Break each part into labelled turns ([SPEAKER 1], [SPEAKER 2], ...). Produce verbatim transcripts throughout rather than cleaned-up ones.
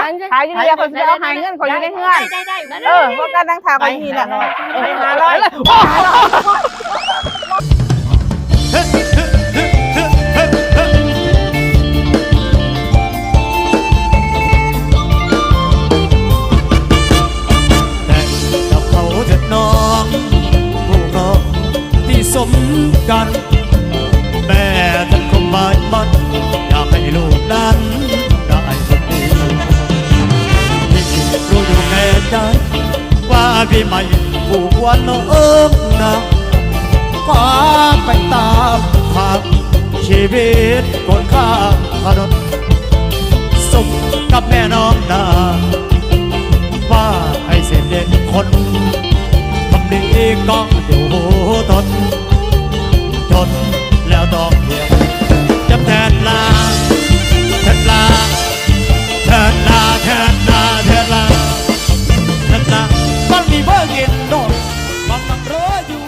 [SPEAKER 1] ขายอยู่นี่คนจะเอาหายเงินคนอยู่ในเฮือนเออเพราะการนั่งทาไปทีละไปหาร้อย
[SPEAKER 2] สมกันแม่ท่านคงหมายมั่นอยากให้ลูกนั้นได้คนดีพี่รู้อยู่แน่ใจว่าพี่ไม่ผูกวันน้องนะฟ้าไปตามทางชีวิตคนข้างถนนสมกับแม่น้องนาว่าให้เสร็จเด็กคนทำดีก็อยู่ทนทนแล้วต้องเหี่ยวจำแทนลาแทนลาแทนลาแทนลาแทนลาแทนลาต้องมีเบอร์กินโดนบางบางรออยู่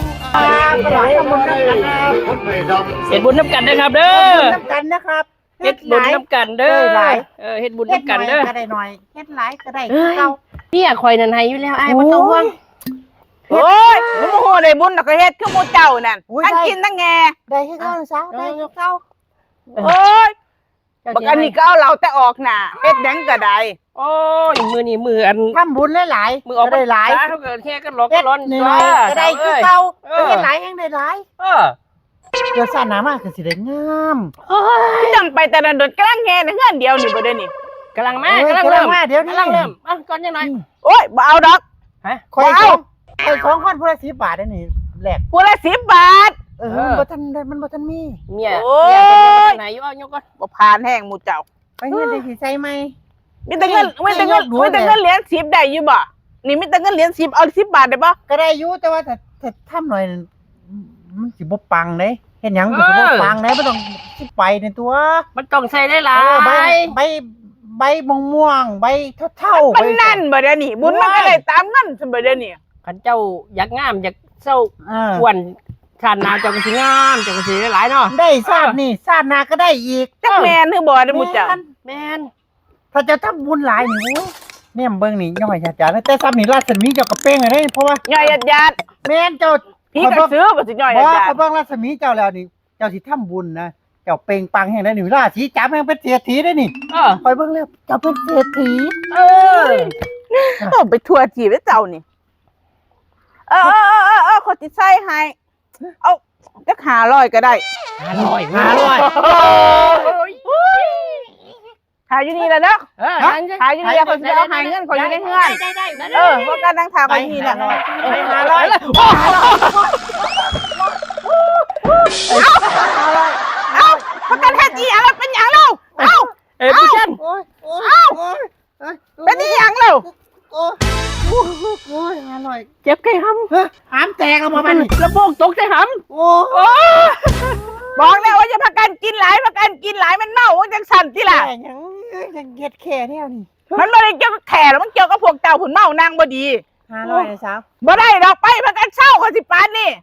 [SPEAKER 3] เฮ็ดบุญน้ำกันนะครับเด้อ
[SPEAKER 1] น้ำกันนะครับ
[SPEAKER 3] เฮ็ดบุญน้ำกันเด้อเออเฮ็ดบุญน้ำกันเด้อ
[SPEAKER 1] ก็ได้หน่อยเฮ็ดหลายก็ได้เก่า
[SPEAKER 3] เนี่ยคอยนันให้อยู่แล้วไอ้บ่ต้องห่วง
[SPEAKER 1] โอ้ยหมูโหได้บุญแล้วก็เฮ็ดคือหมูเจ้านั่นทั้งกินทั้งแงได้ให้เก่าซะได้ให้เก่าโอ้ยบักอันนี้ก็เอาเราแต่ออกหน้าเฮ็ดดังก็ได้
[SPEAKER 3] โอ้ยมือนี่มืออัน
[SPEAKER 1] ทำบุญหลายๆ
[SPEAKER 3] มือออกได้หลายเท่าเกิดแค่ก็ร้องก็ร้อนจ้า
[SPEAKER 1] ก็ได้คือเก่าเฮ็ดหลายแห่งได้หลาย
[SPEAKER 3] เออ
[SPEAKER 1] เกิดซ่าหน้ามาคือสิได้งามคือจังไปแต่ละโดดกำลังแห่ในเฮือนเดียวนี่บ่ได้นี่
[SPEAKER 3] กำลังมากำลังเริ่มเดี๋ยวกำลังเริ่มอ่ะก่อนจังหน่อย
[SPEAKER 1] โอ้ยบ่เอาดอก
[SPEAKER 3] ฮะ
[SPEAKER 1] ขอเอาไอ้ของคนผู้ละสิบบาทได้นี่แลกผู้ละสิบบาทเออมันบ่ทันมันบ่ทันมี
[SPEAKER 3] เมียเมียเป็นไหนอยู่เอายกก่อน
[SPEAKER 1] บ่ผ่านแห้งหมู่เจ้าไปเงินได้สิใส่ไหมมีแต่เงินมีแต่เงินมีแต่เงินเหรียญสิบได้อยู่บ่นี่มีแต่เงินเหรียญสิบเอาสิบบาทได้บ่ก็ได้อยู่แต่ว่าถ้าถ้าทำหน่อยมันสิบ่ปังเด้เฮ็ดหยังก็สิบ่ปังเด้บ่ต้องสิไปในตัว
[SPEAKER 3] มันต้องใส่ได้หลาย
[SPEAKER 1] ใบใบใบม่วงใบเท่าๆมันนั่นบ่ได้นี่บุญมันก็ได้ตามเงินซั่นบ่ได้นี่
[SPEAKER 3] คันเจ้าอยากงามอยากเศร้าอ้วนชาติหน้าเจ้าก็สิงามเจ้าก็สิได้หลายเนาะได้ชาตินี่ชาติหน้าก็ได้อีกจักแม่นคือบ่ได้หมู่เจ้าแม่น
[SPEAKER 1] ถ้าจะทำบุญหลายนี่แม่เบิ่งนี่ย่อยญาติๆแต่ซ้ำนี่ราชมีเจ้าก็เป้งให้เพราะว่าย่อยญาติๆแม่นเจ้าพี่ก็ซื้อบ่สิย่อยญาติๆบ่เขาเบิ่งราชมีเจ้าแล้วนี่เจ้าสิทำบุญนะเจ้าเป่งปังแห่งได้หนึ่งราศีจับแห่งเป็นเศรษฐีได้นี่คอยเบิ่งแล้วเจ้าเป็นเศรษฐีเออต้องไปทัวร์จีบไอ้เจ้านี่เออเออเออเออคนติดไส้ให้เอาจะหาลอยก็ได้
[SPEAKER 3] หาลอยหาลอย
[SPEAKER 1] ขายอยู่นี่แหละเนาะขายอยู่นี่คนจะเอาหายเงินคนอยู่ในเฮือนเออเพราะการนั่งทาไปทีละไปหาลอยเอาประกันแค่จีอะไรเป็นอย่างเราเอา
[SPEAKER 3] เอ้พี่จัน
[SPEAKER 1] เอาเป็นอย่างเราโอ้โหอร่อย
[SPEAKER 3] เจ็บไก่ห
[SPEAKER 1] ำหามแตกออกมาเป็น
[SPEAKER 3] ระโบกตกใจหำ
[SPEAKER 1] โอ้บอกแล้วว่าจะประกันกินหลายประกันกินหลายมันเน่ามันจังสั่นที่ล่ะยังยังเก็ดแค่เนี่ยนี่มันไม่ได้เกี่ยวกับแข่แล้วมันเกี่ยวกับพวกเจ้าผุนเมานางบดีห้าร้อยนะสาวบ่ได้ดอกไปประกันเช่าคนสิปานนี่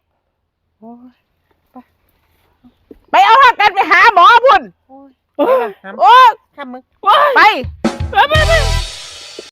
[SPEAKER 1] ไปเอาประกันไปหาหมอพุ่นโอ้ยข้ามมึงไปไปไป